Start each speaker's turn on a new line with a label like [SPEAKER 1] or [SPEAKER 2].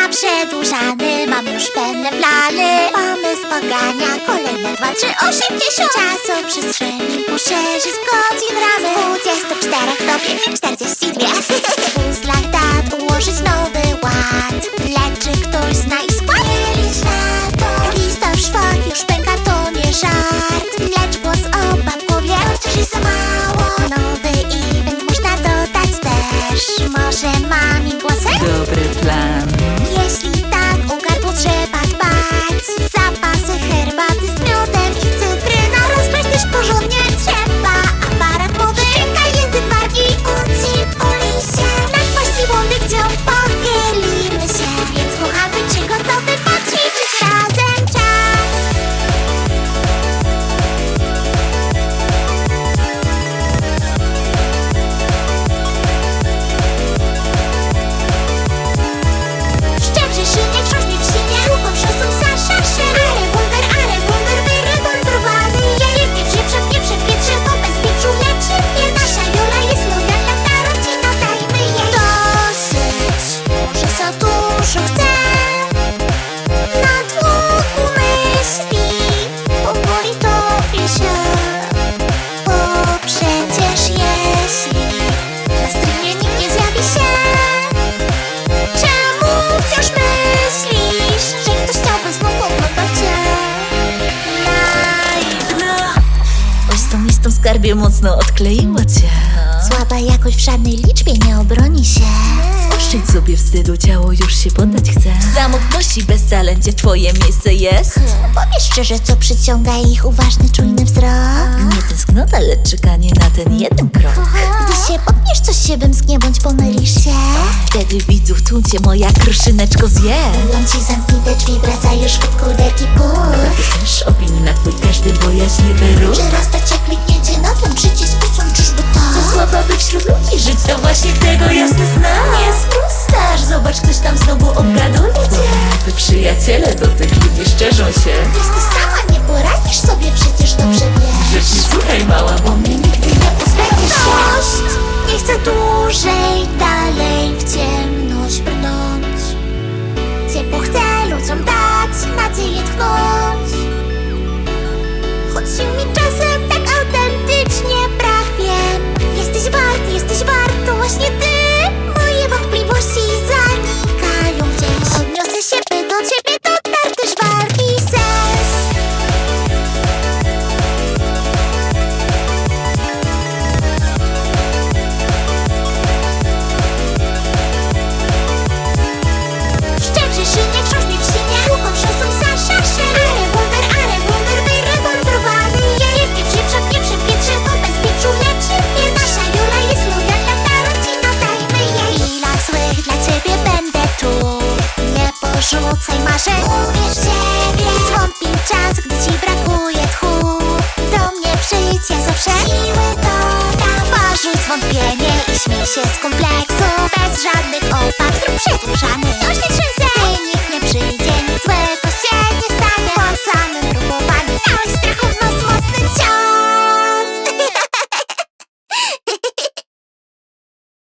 [SPEAKER 1] przedłużany. Mam już pewne plany. Pomysł pogania kolejne 2, 3, 80. Czasoprzestrzeni poszerzyć godzin ramy. Z 24 do 42. W puzzlach dat ułożyć nowy ład. Lecz czy ktoś zna i skład? Nie licz na to. Lista w szwach już pęka, to nie żart. Lecz głos oba w głowie wciąż jest za mało. Nowy event można dodać też. Może mami głosem?
[SPEAKER 2] Dobry plan.
[SPEAKER 1] Jeśli tak, o gardło trzeba dbać. Zapasy herbaty z miodem i cytryna. Rozbrać też porządnie trzeba. Aparat mowy, ręka, język wargi. Uci, ulisie. Na kwaści łądy, gdzie pochylimy się. Więc kochamy, czy gotowy poćwiczyć razem czas? Szczebrzy silnie, krzążnie w silnie. Słucham szosą za szaszy. Ale wonder, wyremontowany jest. Nie przepietrze, bo bez pieprzu leczy mnie. Nasza Jola jest lojalna, ta rodzina, dajmy jej dosyć. Może za dużo chce. Na długu myśli, powoli topi się. Bo przecież jeśli na streamie nikt nie zjawi się, czemu wciąż myślisz, że ktoś chciałby znów oglądać cię live?
[SPEAKER 2] Oj, z tą listą, skarbie, mocno odkleiła cię.
[SPEAKER 1] Słaba jakość w żadnej liczbie nie obroni się.
[SPEAKER 2] Oszczędź sobie wstydu, ciało już się poddać chce. W samotności, bez talencie twoje miejsce jest.
[SPEAKER 1] Powiedz szczerze, co przyciąga ich uważny, czujny wzrok.
[SPEAKER 2] Nie tęsknota, lecz czekanie na ten jeden krok.
[SPEAKER 1] Gdy się popniesz, coś się wymsknie, bądź pomylisz się.
[SPEAKER 2] Wtedy widzów tłum cię moja kruszyneczko zje.
[SPEAKER 1] Mówią ci, zamknij te drzwi, wracasz w kuderki pół.
[SPEAKER 2] Też opinii na twój każdy bojaźń nie wyruch.
[SPEAKER 1] Czy rozstać się kliknięcie na ten przycisk, posądzisz, to
[SPEAKER 2] To słaba, by wśród ludzi żyć, to właśnie tego jasny znak. Nie spustasz, zobacz, ktoś tam znowu obgaduje cię. Wy przyjaciele do tych ludzi szczerzą się.
[SPEAKER 1] Jesteś sama, nie poradzisz sobie, przecież dobrze wiesz.
[SPEAKER 2] Rzecz słuchaj mała, bo mnie nigdy nie
[SPEAKER 1] Pozbędziesz się. Nie chcę dłużej dalej w ciemność brnąć. Ciepło chcę ludziom dać, nadzieję tchnąć. Choć się mi czasem tak autentycznie brak, wiem. Jesteś wart, to właśnie ty. Moje wątpliwości zanikają gdzieś. Odniosę się, by do ciebie dotarł też walki sens. Szczebrzy silnie, krzążnie w silnie. Słucham szosą za szaszy. Ale wonder, wyremontowany jest. Nie przepietrze, bo bez pieprzu leczy mnie. Nasza Jola jest lojalna, ta rodzina, dajmy jej. W chwilach złych dla ciebie będę tu. Nie porzucaj marzeń, uwierz w siebie. Zwątpi czas, gdy ci brakuje tchu. Do mnie przyjdź, ja zawsze siły dodam. Porzuć zwątpienie i śmiej się z kompleksu. Bez żadnych opat, zrób przedłużany.